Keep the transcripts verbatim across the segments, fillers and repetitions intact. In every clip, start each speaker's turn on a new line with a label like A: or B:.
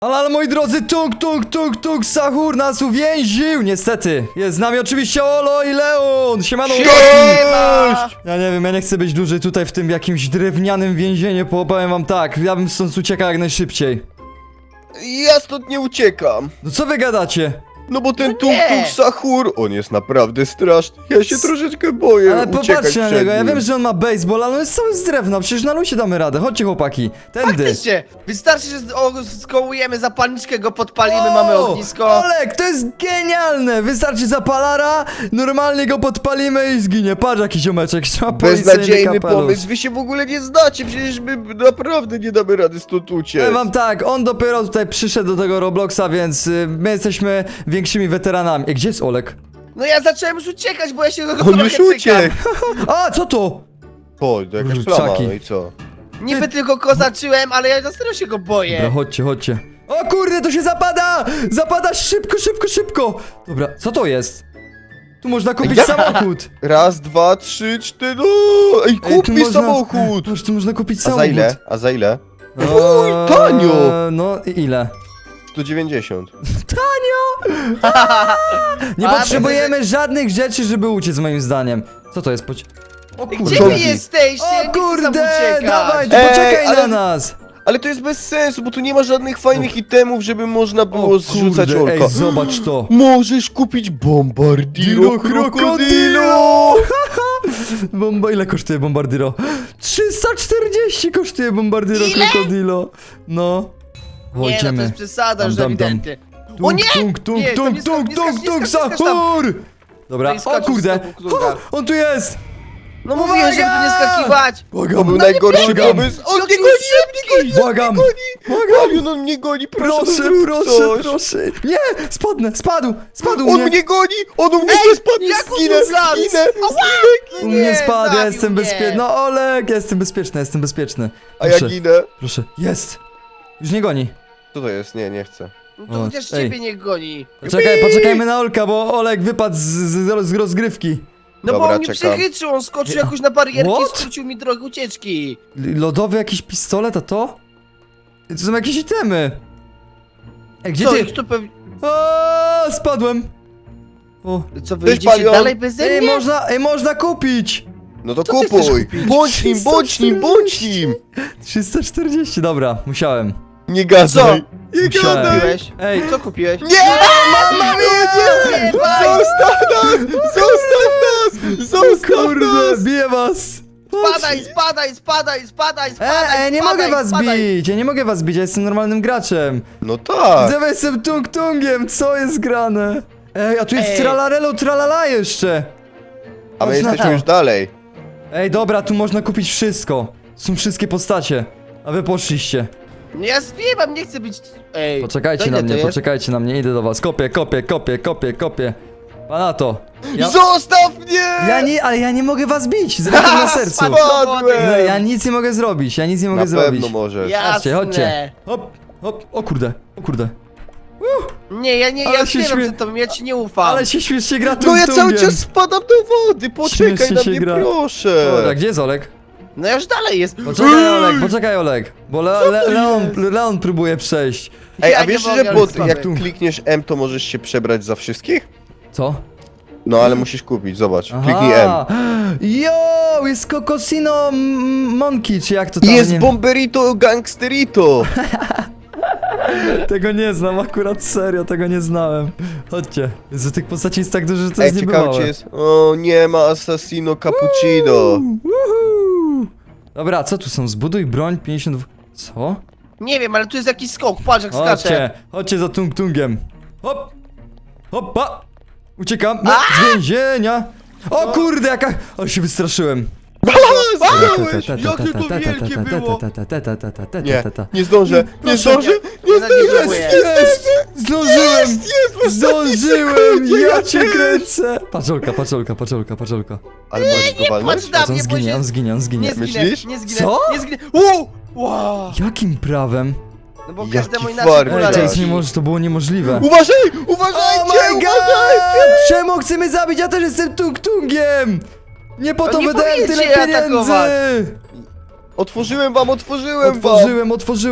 A: Ale, ale moi drodzy, tung, tung, tung, tung, Sahur nas uwięził! Niestety, jest z nami oczywiście Olo i Leon! Siemano!
B: Cześć!
A: Ja nie wiem, ja nie chcę być dłużej tutaj w tym jakimś drewnianym więzieniu, bo powiem wam tak, ja bym stąd uciekał jak najszybciej.
B: Ja stąd nie uciekam.
A: No co wy gadacie?
B: No bo ten
C: No
B: tung
C: nie.
B: tung Sahur, on jest naprawdę straszny. Ja się troszeczkę boję
A: Ale
B: uciekać
A: popatrzcie na
B: przed
A: niego, ja
B: nim.
A: wiem, że on ma baseball, ale on jest cały z drewna, przecież na luzie damy radę, chodźcie chłopaki, tędy.
C: Faktycznie, wystarczy, że z- o, skołujemy zapalniczkę, go podpalimy,
A: O,
C: mamy ognisko.
A: Olek, to jest genialne! Wystarczy zapalara, normalnie go podpalimy i zginie. Patrz jaki ziomeczek, ma policyjny
B: Beznadziejny
A: kapelusz.
B: pomysł, wy się w ogóle nie znacie, przecież my naprawdę nie damy rady stąd uciec.
A: Powiem wam tak, on dopiero tutaj przyszedł do tego Robloxa, więc y, my jesteśmy większymi weteranami. Ej, gdzie jest Olek?
C: No ja zacząłem już uciekać, bo ja się go
B: On
C: trochę
B: już
C: cykam.
B: uciekł.
A: A, co to?
B: O, to jakaś
A: Kurczaki.
B: plama, no i co?
C: Niby tylko kozaczyłem, ale ja na serio się go boję.
A: Dobra, chodźcie, chodźcie. O kurde, to się zapada! Zapada szybko, szybko, szybko! Dobra, co to jest? Tu można kupić
B: Ja-
A: samochód.
B: Raz, dwa, trzy, cztery, no! Ej,
A: Ej,
B: kup
A: tu
B: mi
A: można-
B: samochód!
A: Patrz, tu można kupić
B: A
A: samochód.
B: za ile? A za ile?
A: Eee,
B: tanio!
A: No i ile?
B: sto dziewięćdziesiąt.
A: Nie
C: A,
A: potrzebujemy żadnych rzeczy, żeby uciec moim zdaniem. Co to jest? Poci o
C: Gdzie
A: kurde.
C: wy
B: Czołgi.
C: jesteście? Ja
A: O
C: nie chcę
A: kurde,
C: sam uciekać.
A: dawaj, tu
B: Ej,
A: poczekaj
B: ale-
A: na nas.
B: Ale to jest bez sensu, bo tu nie ma żadnych fajnych itemów, żeby można
A: O
B: było zrzucać
A: kurde,
B: olka.
A: ej, zobacz to.
B: Możesz kupić bombardiro krokodilo!
A: Bomba, ile kosztuje bombardiro? trzysta czterdzieści kosztuje bombardiro
C: Ile?
A: krokodilo. No.
C: Nie, no to
A: Chodźmy.
C: jest przesada już
A: Dam, dam, dam.
C: ewidentnie.
A: Tung,
C: O nie!
A: Tung, tung,
C: Nie, to
A: tung,
C: nie skacz,
A: tung,
C: nie
A: tung,
C: skacz,
A: tung,
C: nie skacz, nie skacz tam.
A: Sahur! Dobra,
C: Nie
A: o
C: skacz,
A: kurde.
C: stop, kurde.
A: O, on tu jest!
C: No mówiłem, żeby tu nie skakiwać.
B: To
A: Błagam,
B: był najgorszy
A: błagam.
B: pomysł. On
C: Jaki
B: mnie goni, on mnie goni,
A: Błagam.
B: on mnie goni! Błagam, on mnie goni, proszę,
A: Proszę,
B: zrób
A: proszę,
B: coś.
A: proszę. Nie, spadnę, spadł, spadł
B: On
A: mnie.
B: mnie goni, on u mnie nie spadnie,
C: jak on
B: zginę,
C: tu zlazł?
B: zginę,
A: U mnie
C: Nie,
A: spadł, ja
C: zabił
A: jestem
C: mnie.
A: bezpieczny. No Olek, ja jestem bezpieczny, jestem bezpieczny.
B: a ja
A: Proszę,
B: ginę.
A: proszę, jest. Już nie goni.
B: Co to jest? Nie, nie chcę.
C: No to
A: O,
C: chociaż
A: ej.
C: ciebie nie goni.
A: Poczekaj, poczekajmy na Olka, bo Olek wypadł z, z, z rozgrywki.
C: No
B: Dobra,
C: bo on mnie
B: czekam.
C: przechytrzył, on skoczył jakoś na barierki i
A: What?
C: skrócił mi drogę ucieczki.
A: L- Lodowy jakiś pistolet, a to? To są jakieś itemy. Ej, gdzie
C: Co,
A: ty?
C: ich tu pewnie...
A: O, spadłem. O.
C: Co, wy
B: Cześć,
C: idziecie
B: Palion.
C: dalej beze
A: Ej,
C: mnie?
A: można, ej, można kupić.
B: No to
C: Co ty chcesz
B: kupuj!
C: kupić?
B: Bądź nim, bądź nim, bądź nim!
A: trzysta czterdzieści, dobra, musiałem.
B: Nie gadaj! Nie
A: Musiałem.
B: gadaj!
C: Kupiłeś?
A: Ej,
C: Co kupiłeś?
B: Nie! Mama nie! nie! Zostaw nas! Zostaw nas! Zostaw
A: kurde,
B: nas!
A: biję was.
C: Spadaj, spadaj, spadaj, spadaj, spadaj,
A: Ej, ej, nie
C: spadaj,
A: mogę was
C: spadaj.
A: bić, ja nie mogę was bić, ja jestem normalnym graczem.
B: No tak!
A: Widzę, jestem tung-tungiem, co jest grane? Ej, a tu jest
C: Ej.
A: tralarelo, tralala jeszcze.
B: A my
A: Patrz na
B: jesteśmy
A: to.
B: już dalej.
A: Ej, dobra, tu można kupić wszystko. Są wszystkie postacie, a wy poszliście.
C: No ja zwiewam, nie chcę być... Ej,
A: Poczekajcie
C: to
A: na
C: ile
A: mnie,
C: to jest?
A: poczekajcie na mnie, idę do was. Kopię, kopię, kopię, kopię, kopię. Pana to. Ja,
B: Zostaw mnie!
A: ja nie, ale ja nie mogę was bić, z ręką na sercu.
C: Spadł.
A: No, ja nic nie mogę zrobić, ja nic nie mogę
B: Na
A: zrobić.
B: pewno możesz.
A: Chodźcie, chodźcie.
C: Jasne.
A: Hop, hop, o kurde, o kurde.
C: Nie, ja nie,
A: Ale
C: ja
A: się
C: zwiewam
A: śmie-
C: przed tobą, ja ci nie ufam.
A: Ale się śmiesznie gra
B: No ja cały
A: tung-tungiem.
B: czas spadam do wody! Poczekaj
A: Śmiesznie
B: na
A: się
B: mnie,
A: gra.
B: proszę!
A: Dobra, gdzie jest Olek?
C: No już dalej jest.
A: Poczekaj Olek, poczekaj Olek. Bo Le Le Leon, Leon próbuje przejść.
B: Ej,
C: Ja
B: a
C: nie
B: wiesz,
C: mogę,
B: że
C: ale
B: bot,
C: słaby.
B: jak klikniesz M, to możesz się przebrać za wszystkich?
A: Co?
B: No ale musisz kupić, zobacz. Kliknij M.
A: Jo, jest Kokosino M- Monkey, czy jak to tam?
B: Jest
A: nie...
B: Bomberito Gangsterito!
A: Tego nie znam, akurat serio, tego nie znałem. Chodźcie. Jezu, tych postaci jest tak dużo, że to
B: Ej,
A: jest
B: ciekawe
A: niebywałe.
B: czy jest... O, nie ma Assassino Cappuccino!
A: Woohoo! Dobra, co tu są? Zbuduj broń pięćdziesiąt dwa... Co?
C: Nie wiem, ale tu jest jakiś skok, patrz jak skacze.
A: Chodźcie, chodźcie za tung-tungiem. Hop! Hoppa! Uciekam no, z więzienia! O kurde, jaka... O, się wystraszyłem.
B: Zginąłeś! Jakie to wielkie było! Nie,
A: Nie,
B: nie zdążę, nie
C: Proszę,
B: zdążę,
C: nie
B: nie
C: zadziękuję.
B: zdążę!
A: Jest! Zdążyłem!
B: Jest, jest, w ostatniej
A: Zdążyłem!
B: sekundzie,
A: Ja
B: ja
A: cię
B: cię-
A: kręcę! Paczolka, paczolka, paczolka, paczolka.
B: Ale możesz go walnąć?
C: Patrz na
A: On
C: mnie, bo
A: zginie,
C: się...
A: on zginie, on zginie.
C: Nie zginę,
B: Myślisz?
C: nie zginę,
A: Co?
C: nie zginę. Uuu! Wow!
A: Jakim prawem?
C: No bo
B: Jaki
C: każdemu inaczej
B: fart.
A: Ej,
C: kula
A: to
B: Ej,
A: jest
C: leci.
A: niemożliwe, to było niemożliwe.
B: Uważaj!
A: Oh
B: Uważajcie!
A: my god!
B: Uważajcie!
A: Czemu chce mnie zabić? Ja też jestem tung-tungiem! Nie po
C: No
A: to
C: nie
A: wydałem
C: powinien
A: tyle
C: cię
A: pieniędzy!
C: atakować.
B: Otworzyłem wam, otworzyłem wam!
A: Otworzyłem, otworzyłem.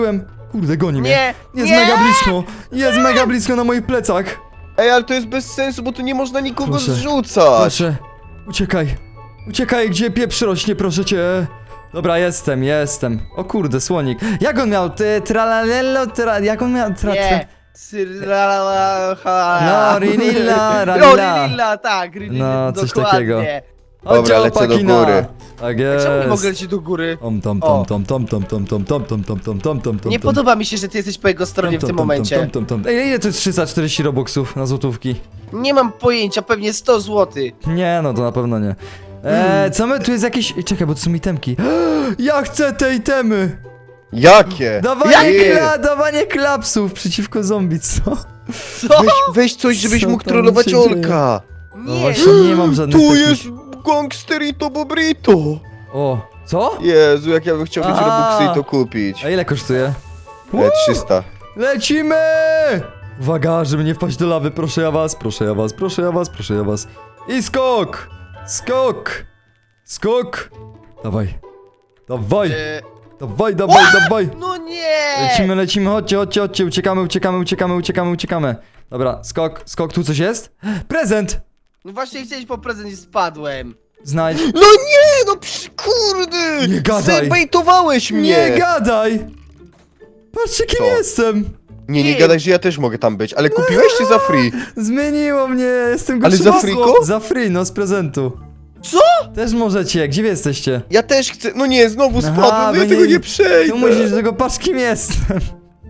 A: Kurde, goni mnie.
C: Nie,
A: Jest
C: nie!
A: mega blisko. Jest mega blisko na moich plecach.
B: Ej, ale to jest bez sensu, bo tu nie można nikogo
A: Proszę.
B: zrzucać.
A: Proszę, uciekaj. Uciekaj, gdzie pieprz rośnie, proszę cię. Dobra, jestem, jestem. O kurde, słonik. Jak on miał? Ty, tralalelo, tra... Jak on miał? Tra, tra...
C: Nie. Syrala,
A: No, rinilla,
C: No,
A: ralila.
C: Rinilla, tak, Rinilla,
A: No, coś
C: dokładnie.
A: takiego.
B: Dobra, lecę do góry.
A: Tak
C: Czemu nie mogę
A: jest.
C: lecieć do góry?
A: Tom, tom,
C: O.
A: tom, tom, tom, tom, tom, tom, tom, tom, tom, tom, tom, tom, tom,
C: Nie
A: tom.
C: podoba mi się, że ty jesteś po jego stronie w
A: Tom,
C: tym
A: tom, tom,
C: momencie.
A: tom, tom, tom. Ej, ile to jest trzysta czterdzieści robuxów na złotówki?
C: Nie mam pojęcia, pewnie sto złotych.
A: Nie, no to na pewno nie. Eee, co my, tu jest jakieś... Ej, czekaj, bo to są itemki. Ja chcę te itemy!
B: Jakie?
A: Dawanie,
B: Jakie?
A: kla, dawanie klapsów przeciwko zombie, co?
C: Co?
B: Weź, weź coś, żebyś
A: Co
B: mógł
A: tam
B: trollować
A: się dzieje?
B: Olka.
A: No
C: Nie.
A: właśnie nie mam żadnych
B: Tu
A: takich...
B: jest gangsterito bobrito.
A: O, co?
B: Jezu, jak ja bym chciał mieć
A: A.
B: robuxy i to kupić.
A: A ile kosztuje?
B: E, trzysta.
A: Lecimy! Uwaga, żeby nie wpaść do lawy, proszę ja was, proszę ja was, proszę ja was, proszę ja was. I skok! Skok! Skok! Dawaj. Dawaj,
C: E,
A: dawaj, dawaj, dawaj!
C: No nie!
A: Lecimy, lecimy, chodźcie, chodźcie, chodźcie, uciekamy, uciekamy, uciekamy, uciekamy, uciekamy. Dobra, skok, skok, tu coś jest? Prezent!
C: No właśnie chciałeś po prezent i spadłem.
A: Znajdź.
B: No nie, no psz, kurde!
A: Nie gadaj.
B: Zebejtowałeś mnie!
A: Nie gadaj! Patrzcie, kim
B: Co?
A: jestem!
B: Nie, nie
C: Nie.
B: gadaj, że ja też mogę tam być, ale kupiłeś czy za free?
A: Zmieniło mnie, jestem
B: Ale
A: gościem-
B: za friko?
A: Za free, no z prezentu.
C: Co?
A: Też możecie, gdzie wy jesteście?
B: Ja też chcę, no nie, znowu
A: Aha,
B: spadłem,
A: bo
B: ja tego
A: nie-
B: nie przejdę.
A: Tu musisz tego, patrz kim jestem.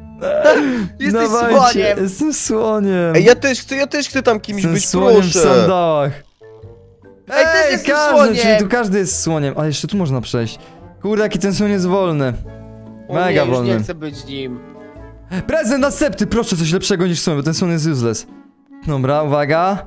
C: Jesteś
A: Dawajcie,
C: słoniem.
A: Jestem słoniem.
B: Ej, ja też chcę, ja też chcę tam kimś
A: Jestem
B: być,
A: słoniem w
B: proszę.
A: sandałach.
C: Ej, też jestem
A: każdy,
C: słoniem.
A: czyli tu każdy jest słoniem, ale jeszcze tu można przejść. Kurde, jaki ten słoń jest wolny.
C: O
A: Mega
C: nie, już
A: wolny.
C: nie chcę być nim.
A: Prezent następny, proszę, coś lepszego niż słoń, bo ten słoń jest useless. Dobra, uwaga.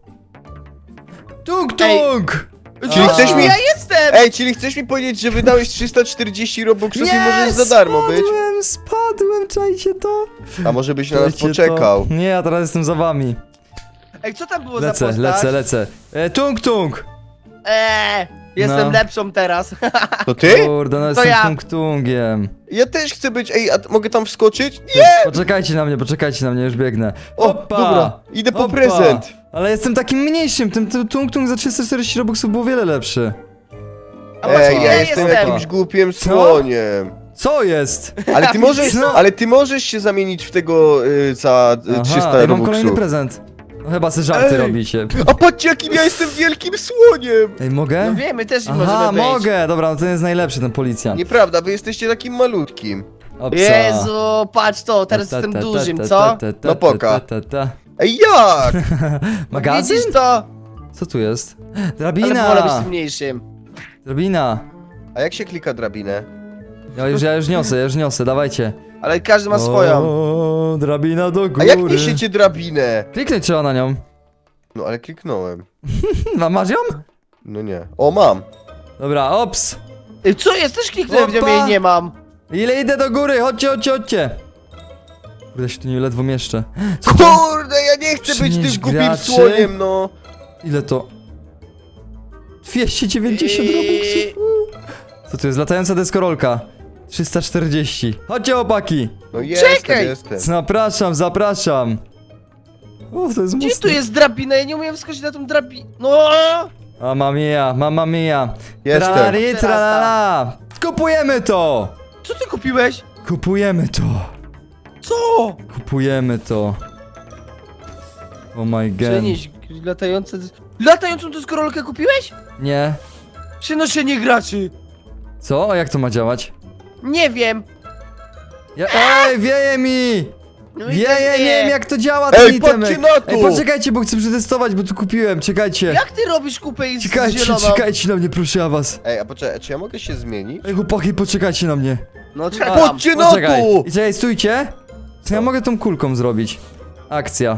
A: Tung tung!
B: Czyli
A: A.
B: chcesz mi...
C: Ja jestem!
B: Ej, czyli chcesz mi powiedzieć, że wydałeś trzysta czterdzieści robuxów i możesz za darmo być?
A: spadłem, spadłem, czajcie to.
B: A może byś na nas
A: Czajcie
B: poczekał?
A: To. Nie, ja teraz jestem za wami.
C: Ej, co tam było za
A: Lecę,
C: postać?
A: lecę, lecę. E, tung tung!
C: Eee, jestem
A: No.
C: lepszą teraz.
B: To ty?
A: Kurde, no
C: To
A: jestem
C: ja.
A: tung tungiem.
B: Ja też chcę być, ej, a t- mogę tam wskoczyć? Nie!
A: Poczekajcie na mnie, poczekajcie na mnie, już biegnę.
B: O,
A: Hoppa!
B: dobra, idę po
A: Hoppa!
B: prezent.
A: Ale jestem takim mniejszym, ten ten tung tung za trzysta czterdzieści robuxów był wiele lepszy.
C: A właśnie
B: Ej, ja
C: ja
B: jestem
C: jestem.
B: jakimś głupim słoniem.
A: Co jest?
B: Ale ty możesz,
A: No.
B: ale ty możesz się zamienić w tego y, za y,
A: Aha,
B: trzysta
A: ej, mam kolejny
B: robuxów.
A: prezent. No chyba se żarty
B: Ej.
A: robicie.
B: A patrzcie, jakim ja jestem wielkim słoniem!
A: Ej, mogę?
C: No wiemy, też nie
A: Aha,
C: możemy być.
A: mogę, dobra, no ten jest najlepszy, ten policjant.
B: Nieprawda, wy jesteście takim malutkim.
A: Opsa.
C: Jezu, patrz to, teraz
A: Ta, ta,
C: jestem
A: ta,
C: dużym,
A: ta,
C: co?
A: ta, ta, ta,
B: No poka.
A: ta, ta, ta.
B: Ej, jak?
A: Magazyn?
C: Widzisz to?
A: Co tu jest?
C: Ale wolę być
A: Drabina!
C: mniejszym.
A: Drabina!
B: A jak się klika drabinę?
A: Ja już, ja już niosę, ja już niosę, dawajcie.
C: Ale każdy ma swoją.
A: O, drabina do góry.
B: A jak niesiecie drabinę?
A: Kliknąć trzeba na nią.
B: No ale kliknąłem.
A: Ma, masz ją?
B: No nie. O, mam.
A: Dobra, ops.
C: Ej, co jest? Też kliknąłem w nią
A: Opa.
C: i jej nie mam.
A: Ile idę do góry? Chodźcie, chodźcie, chodźcie. Kurde, się tu nie ledwo mieszczę. Co to?
B: Kurde, ja nie chcę być
A: Przynieś
B: tym głupim
A: graczy?
B: słoniem, no.
A: Ile to? dwieście dziewięćdziesiąt
C: Eee.
A: robuxów. Co tu jest? Latająca deskorolka. trzysta czterdzieści. Chodźcie, opaki.
B: No jestem,
C: Czekaj.
B: jestem.
A: Zapraszam, zapraszam. O, to jest
C: Gdzie
A: mocne.
C: tu jest drabina? Ja nie umiem wskoczyć na tą drabinę. No!
A: Mamma mia, mamma mia.
B: Jestem.
A: Tralali, tralala. Kupujemy to.
C: Co ty kupiłeś?
A: Kupujemy to.
C: Co?
A: Kupujemy to. Oh my god.
C: Przenieś latające... Latającą deskorolkę kupiłeś?
A: Nie.
C: Przenoszenie graczy.
A: Co? A jak to ma działać?
C: Nie wiem.
A: Ja... Ej, wieje mi!
C: No i
A: Wieje,
C: też
A: nie wiem jak to działa ten
B: Ej,
A: itemek.
B: patrzcie na to!
A: Ej, poczekajcie, bo chcę przetestować, bo tu kupiłem, czekajcie.
C: Jak ty robisz kupę i z
A: Czekajcie,
C: zieloną?
A: czekajcie na mnie, proszę ja was.
B: Ej, a poczekaj, czy ja mogę się zmienić?
A: Ej, chłopaki, poczekajcie na mnie.
C: No czekam.
B: Chodźcie na
A: Poczekaj.
B: to!
A: I czekaj, stójcie. Co ja mogę tą kulką zrobić? Akcja.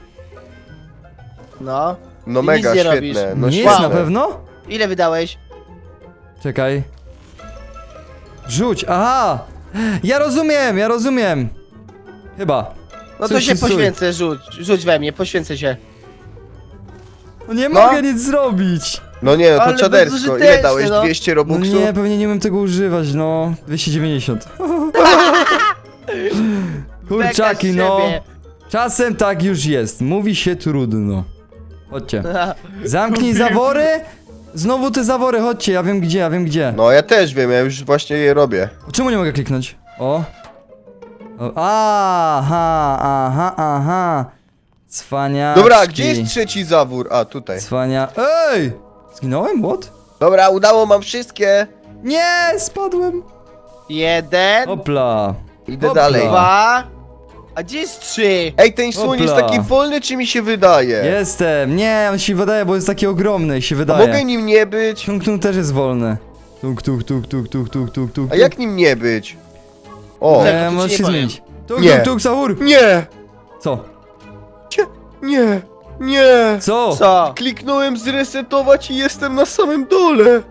C: No.
B: No
C: I
B: mega,
C: nic nie
B: świetne.
C: robisz.
B: No
A: Nie
B: świetne.
A: jest na pewno?
C: Ile wydałeś?
A: Czekaj. Rzuć, aha! Ja rozumiem, ja rozumiem. Chyba.
C: No to
A: Stój,
C: się
A: stój.
C: poświęcę, rzuć. Rzuć we mnie, poświęcę się.
A: No nie
B: No.
A: mogę nic zrobić.
B: No nie, no to
C: Ale
B: czadersko.
C: bezużyteczne,
B: Ile dałeś?
C: no.
B: dwieście
A: No
B: robuxów?
A: nie, pewnie nie umiem tego używać, no. dwieście dziewięćdziesiąt. Kurczaki,
C: Beka z
A: no.
C: siebie.
A: Czasem tak już jest. Mówi się trudno. Chodźcie. Zamknij zawory. Znowu te zawory, chodźcie, ja wiem gdzie, ja wiem gdzie.
B: No ja też wiem, ja już właśnie je robię.
A: Czemu nie mogę kliknąć? O. o. Aha, aha, aha. Cwaniaczki.
B: Dobra, gdzie jest trzeci zawór? A, tutaj.
A: Cwania... Ej! Zginąłem? What?
B: Dobra, udało mam wszystkie.
A: Nie, spadłem.
C: Jeden,
A: Hopla.
B: Idę
A: Hopla.
B: dalej.
C: dwa, a gdzie jest trzy?
B: Ej, ten słoń jest
A: Hopla.
B: taki wolny, czy mi się wydaje?
A: Jestem. Nie, on się wydaje, bo jest taki ogromny i się
B: A
A: wydaje.
B: mogę nim nie być?
A: Tung tung też jest wolny. Tuk tuk tuk tuk tuk tuk tuk tuk.
B: A jak nim nie być? O,
C: Tak.
A: Nie,
C: to ci
A: możesz
C: nie
A: się
C: powiem.
A: zmienić. Tuk
B: Nie.
A: tuk tuk sahur.
B: nie,
A: Co?
B: nie, nie.
A: Co?
C: Co?
B: Kliknąłem zresetować i jestem na samym dole.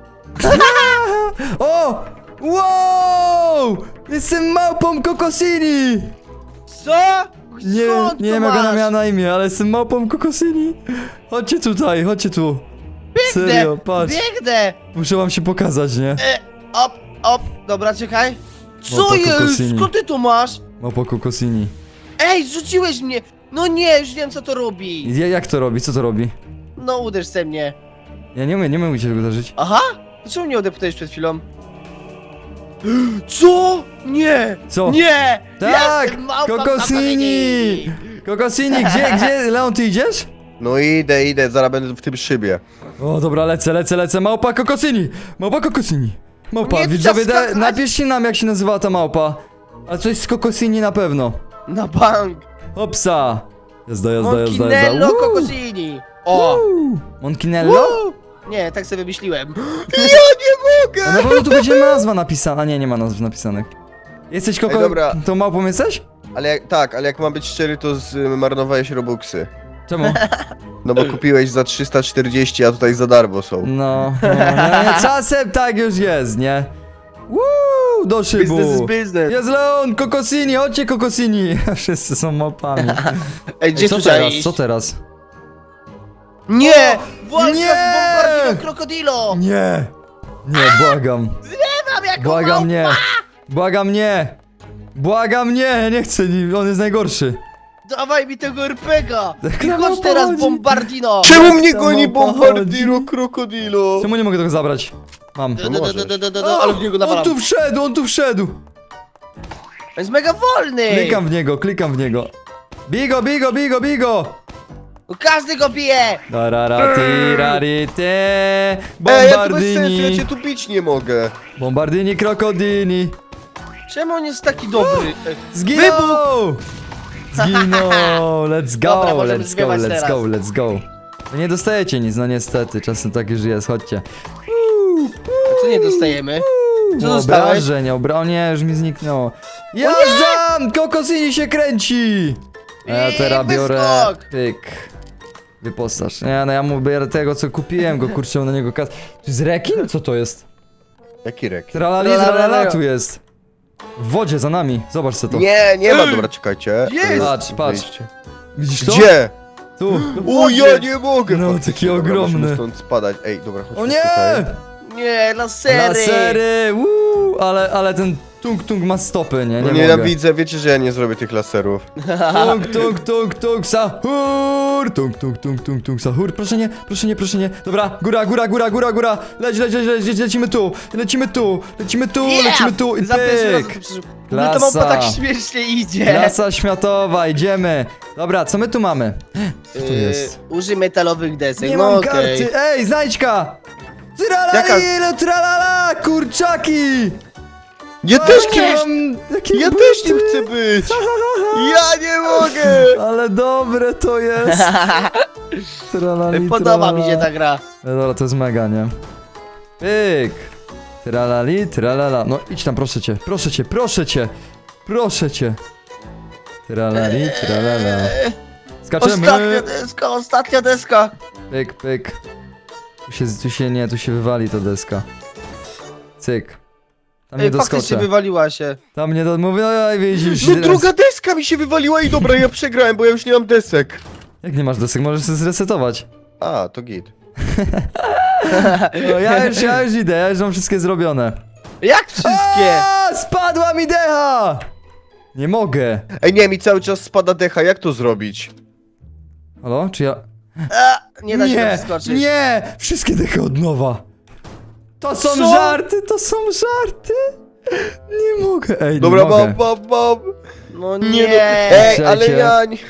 A: O! Wow! Jestem małpą Kokosini!
C: Co?
A: Nie,
C: Skąd
A: nie
C: to
A: wiem jak ona
C: masz?
A: miała na imię, ale jestem małpą Kokosini. Chodźcie tutaj, chodźcie tu. Serio, patrz.
C: Biegnę!
A: Muszę wam się pokazać, nie?
C: E, op, op, dobra, czekaj. Co
A: Małpa
C: jest?
A: Kokosini.
C: Skąd ty to masz?
A: Małpa Kokosini.
C: Ej, zrzuciłeś mnie! No nie, już wiem co to robi.
A: I jak to robi? Co to robi?
C: No uderz se mnie.
A: Ja nie umiem, nie umiem cię tego uderzyć.
C: Aha? Dlaczego mnie odeptałeś przed chwilą? Co? Nie!
A: Co?
C: Nie!
A: Tak!
C: Jestem małpą
A: Kokosini! Kokosini, gdzie, gdzie? Leon, ty idziesz?
B: No idę, idę, zaraz będę w tym szybie.
A: O, dobra, lecę, lecę, lecę. Małpa Kokosini! Małpa Kokosini! Małpa,
C: Nie,
A: widzowie,
C: trzeba
A: da,
C: skakać.
A: napiszcie nam, jak się nazywała ta małpa. A coś z Kokosini na pewno.
C: Na bank!
A: Hopsa! Jazda, jazda, jazda, jazda.
C: Monkinello
A: Woo!
C: Kokosini! O!
A: Woo! Monkinello?
C: Woo! Nie, tak sobie wymyśliłem.
B: Ja nie mogę!
A: A na pewno tu będzie nazwa napisana. A nie, nie ma nazw napisanych. Jesteś koko...
B: Ej, dobra.
A: Tą małpą jesteś?
B: Ale jak, tak, ale jak mam być szczery, to zmarnowałeś robuxy.
A: Czemu?
B: No bo kupiłeś za trzysta czterdzieści, a tutaj za darmo są.
A: No, no, no czasem tak już jest, nie? Woo, do szybu.
C: Business is business.
A: Jest Leon, Kokosini, chodźcie Kokosini. Wszyscy są małpami.
C: Ej, gdzie
A: Co
C: tu trzeba
A: teraz,
C: iść?
A: co teraz?
C: Nie! Walka
A: Nie!
C: z Bombardino Krokodilo!
A: Nie, nie, błagam.
C: Mam jako
A: Błagam
C: małpa!
A: nie. Błagam nie. Błagam nie, ja nie chcę, nie- on jest najgorszy.
C: Dawaj mi tego er pe ga!
A: Tak
C: I
A: na
C: chodź
A: małpa
C: teraz
A: chodzi.
C: Bombardino!
B: Czemu mnie
A: to
B: goni
A: małpa
B: Bombardiro Krokodilo?
A: Czemu nie mogę tego zabrać? Mam.
C: Do, do, do, do, do, do, do,
A: O,
C: ale w niego
A: on
C: nawalam.
A: tu wszedł, on tu wszedł.
C: On jest mega wolny!
A: Klikam w niego, klikam w niego. Bigo, bigo, bigo, bigo.
C: No każdy go bije!
A: Dararati, rarity.
B: Ej, ja tu bez sensu, ja
A: Bombardini.
B: cię tu bić nie mogę.
A: Bombardini, krokodini.
C: Czemu on jest taki dobry?
A: Zginął! Zginął! Let's go,
C: Dobra, możemy
A: let's go,
C: zgrywać
A: let's
C: teraz.
A: go, let's go. No nie dostajecie nic, no niestety, czasem tak już jest, chodźcie. Uuu,
C: A co nie dostajemy? Co
A: no,
C: dostałeś?
A: obrażeń, obra... O nie, już mi zniknęło. Jazdam! Kokosini się kręci! A ja
C: I
A: teraz biorę...
C: wyskok!
A: Pyk. Wyposaż. Nie, no ja mu biorę tego, co kupiłem, go kurczę, mam na niego kas... To jest rekin? Co to jest?
B: Jaki rek?
A: Tralali, tralala tu jest. W wodzie, za nami. Zobacz co to.
B: Nie, nie ma, dobra, czekajcie.
C: Jest!
A: Patrz, patrz.
B: Wyjście.
A: Widzisz to?
B: Gdzie?
A: Tu.
B: O, ja nie mogę!
A: No,
B: Faktycznie,
A: taki
B: dobra,
A: ogromny.
B: musimy stąd spadać. Ej, dobra, chodźmy
A: O nie!
B: tutaj.
C: Nie, lasery!
A: Lasery! Woo! Ale, ale ten tung tung ma stopy, nie? Nie
B: No
A: mogę.
B: nienawidzę, wiecie, że ja nie zrobię tych laserów.
A: Tung tung tung tung sahur! Tung tung tung tung tung sahur! Proszę nie, proszę nie, proszę nie. Dobra, góra, góra, góra, góra, góra! Leć, leć, leć, leć, leć lecimy tu! Lecimy tu! Lecimy tu!
C: Yeah!
A: Lecimy tu! I
C: Za pierwszym razem
A: pyk!
C: to przeżył. W ogóle ta małpa
A: Klasa.
C: tak śmiesznie idzie.
A: Klasa światowa, idziemy! Dobra, co my tu mamy? Co tu
C: Yy,
A: jest?
C: Użyj metalowych desek,
A: Nie
C: no
A: mam
C: okej.
A: karty! Ej, znajdźka!
C: Jaka?
A: Tralala, tralala, kurczaki!
B: Ja też kimś...
A: Mam takie
B: Ja
A: buty.
B: też nim chcę być! Ja nie mogę!
A: Ale dobre to jest! Tralali,
C: Podoba mi się
A: tralala.
C: ta gra.
A: No dobra, to jest mega, nie? Pyk! Tralali, tralala. No idź tam, proszę cię, proszę cię, proszę cię! Proszę cię! Tralali, tralala. Skaczemy!
C: Ostatnia deska, ostatnia deska.
A: Pyk, pyk. Tu się, tu się nie, tu się wywali ta deska. Cyk. Tam nie
C: Ej, faktycznie
A: doskoczę.
C: wywaliła się.
A: Tam nie do... Mówię, oj, widzisz.
B: No
A: teraz-
B: druga deska mi się wywaliła i dobra, ja przegrałem, bo ja już nie mam desek.
A: Jak nie masz desek, możesz się zresetować.
B: A, to git.
A: No, ja już, ja już idę, ja już mam wszystkie zrobione.
C: Jak wszystkie?
A: A, spadła mi decha! Nie mogę.
B: Ej, nie, mi cały czas spada decha, jak to zrobić?
A: Halo? Czy ja...
C: A, nie da się
A: nie,
C: tam wskoczyć.
A: nie! Wszystkie dechy od nowa. To są
C: Co?
A: żarty, to są żarty. Nie mogę. Ej,
B: Dobra,
A: nie mogę.
B: mam, mam, mam.
C: No
B: Nie,
C: nie.
B: no. Ej, ale
A: Słuchajcie.
B: ja nie...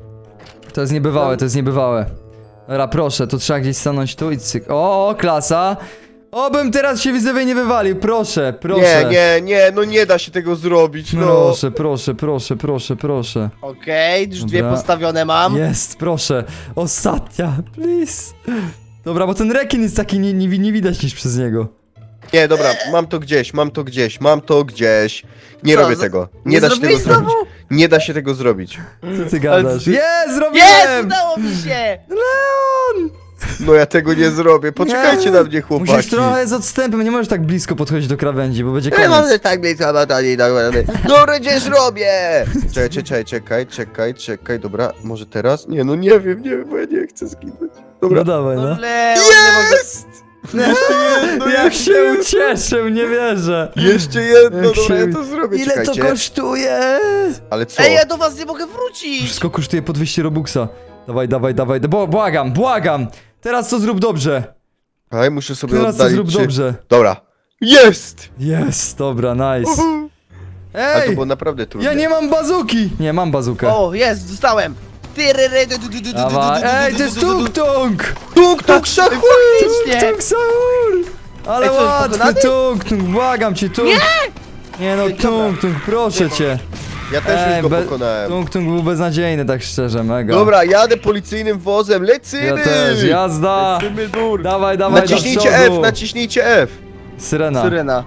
A: To jest niebywałe, to jest niebywałe. Dobra, proszę, to trzeba gdzieś stanąć tu i cyk. O, o, klasa. Obym teraz się widzowie nie wywalił, proszę, proszę.
B: Nie, nie, nie, no nie da się tego zrobić, no.
A: Proszę, proszę, proszę, proszę, proszę.
C: Okej, już dwie
A: Dobra.
C: postawione mam.
A: Jest, proszę. Ostatnia, please. Dobra, bo ten rekin jest taki, nie, nie, nie widać nic przez niego.
B: Nie, dobra, mam to gdzieś, mam to gdzieś, mam to gdzieś. Nie
C: Co,
B: robię
C: z-
B: tego. Nie,
C: nie
B: da się tego
C: zrobiłeś
B: zrobić.
C: znowu?
B: Nie da się tego zrobić.
A: Co ty gadasz?
C: ty-
A: Jest, zrobiłem!
C: Jest, udało mi się!
A: Leon!
B: No ja tego nie zrobię. Poczekajcie
A: Nie.
B: na mnie, chłopaki.
A: Musisz trochę z odstępem, nie możesz tak blisko podchodzić do krawędzi, bo będzie
B: Nie mam
A: koniec.
B: tak blisko, no to nie dobra. Dobra, gdzieś robię! Czekaj, czekaj, czekaj, czekaj, czekaj, dobra, może teraz? Nie, no nie wiem, nie wiem, bo ja nie chcę zginąć.
A: No
B: Dobra.
A: dawaj,
C: No
A: no.
C: Leon, nie mogę...
B: Jest! Jeszcze jedno,
A: Jak
B: jeszcze
A: się
B: jedno.
A: ucieszył, nie wierzę.
B: Jeszcze jedno,
A: Jak
B: dobra,
A: się-
B: ja to zrobię,
A: Ile to
B: czekajcie.
A: kosztuje?
B: Ale co?
C: Ej, ja do was nie mogę wrócić!
A: Wszystko kosztuje po dwieście robuxa. Dawaj, dawaj, dawaj, bo, błagam, błagam. Teraz to zrób dobrze.
B: Ej, muszę sobie
A: Teraz to
B: oddalić.
A: zrób
B: czy-
A: dobrze.
B: Dobra. Jest!
A: Jest, dobra, nice.
B: Ale to
A: Ej,
B: było naprawdę trudne.
A: ja nie mam bazuki. Nie, mam bazukę.
C: O, jest, dostałem! Tyryry, du, du, du, du, du,
A: Dawaj,
C: du, du,
A: ej,
C: du,
A: to jest
C: du, du, du.
A: tung-tung.
B: Tuk, tuk, szachu!
C: Faktycznie!
A: Tung sahur! Ale
C: Ej, co, jest
A: łatwy
C: pokonany?
A: tung tung, błagam cię tung. Nie! Nie no,
C: Ej, dobra.
A: tung tung, proszę cię.
B: Ja też już go
A: be-
B: pokonałem.
A: Tung tung był beznadziejny, tak szczerze, mega.
B: Dobra, jadę policyjnym wozem, lecimy!
A: Ja też, jazda.
B: Lecimy dur.
A: Dawaj, dawaj, do
B: Naciśnijcie
A: przodu.
B: F, naciśnijcie F.
A: Syrena.
C: Syrena.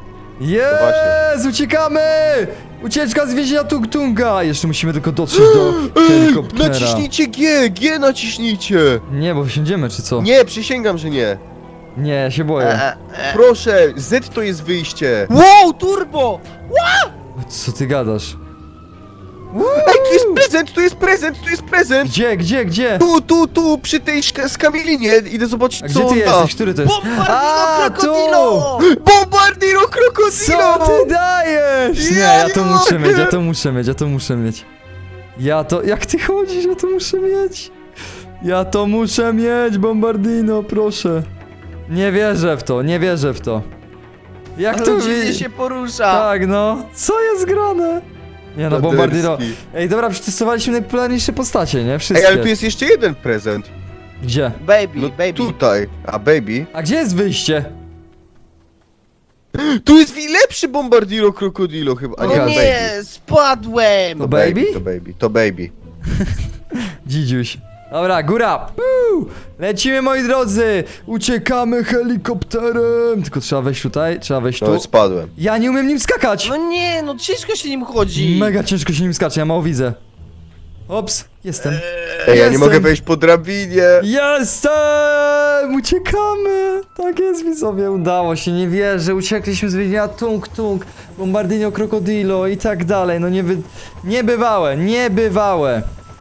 A: Jest, uciekamy! Ucieczka z więzienia tung tunga. Jeszcze musimy tylko dotrzeć do
B: Ej,
A: helikoptera.
B: naciśnijcie G, G naciśnijcie.
A: Nie, bo wsiądziemy, czy co?
B: Nie, przysięgam, że nie.
A: Nie, ja się
C: E,
A: boję.
C: e, e.
B: Proszę, Z to jest wyjście.
C: Wow, turbo!
A: Co ty gadasz?
B: Ej, tu jest prezent, tu jest prezent, tu jest prezent.
A: Gdzie, gdzie, gdzie?
B: Tu, tu, tu, przy tej szka- skamielinie. Idę zobaczyć,
A: A
B: co
A: gdzie ty
B: on da.
A: jesteś? Który to jest?
C: Bombardino
A: A,
C: krokodilo!
B: Bombardiro krokodilo!
A: Co ty dajesz? Nie,
B: Ja
A: ja
B: nie
A: to muszę
B: mogę.
A: mieć, ja to muszę mieć, ja to muszę mieć. Ja to, jak ty chodzisz, ja to muszę mieć. Ja to muszę mieć, Bombardino, proszę. Nie wierzę w to, nie wierzę w to. Jak
C: Ale
A: to
C: dziwnie
A: wi-
C: się porusza.
A: Tak, no. Co jest grane? Nie no, Bombardino.
B: Paderski.
A: Ej, dobra, przetestowaliśmy najpopularniejsze postacie, nie? Wszystkie.
B: Ej, ale tu jest jeszcze jeden prezent.
A: Gdzie?
C: Baby,
B: No
C: baby.
B: tutaj. A baby?
A: A gdzie jest wyjście?
B: Tu jest wi- lepszy Bombardiro krokodilo chyba. A
C: O
B: nie,
A: Okej.
C: nie, spadłem!
A: To
B: To
A: baby?
B: baby, to baby, to baby.
A: Dzidziuś. Dobra, góra. Puu! Lecimy, moi drodzy. Uciekamy helikopterem. Tylko trzeba wejść tutaj, trzeba wejść tu.
B: No, spadłem.
A: Ja nie umiem nim skakać.
C: No nie, no ciężko się nim chodzi.
A: Mega ciężko się nim skacze, ja mało widzę. Ops, jestem.
B: Ej, ja nie
A: Jestem.
B: mogę wejść po drabinie.
A: Jestem! Uciekamy! Tak jest, widzowie, udało się, nie wierzę. Uciekliśmy z więzienia Tung Tung, Bombardino Krokodilo i tak dalej. No nie wy... Niebywałe, niebywałe.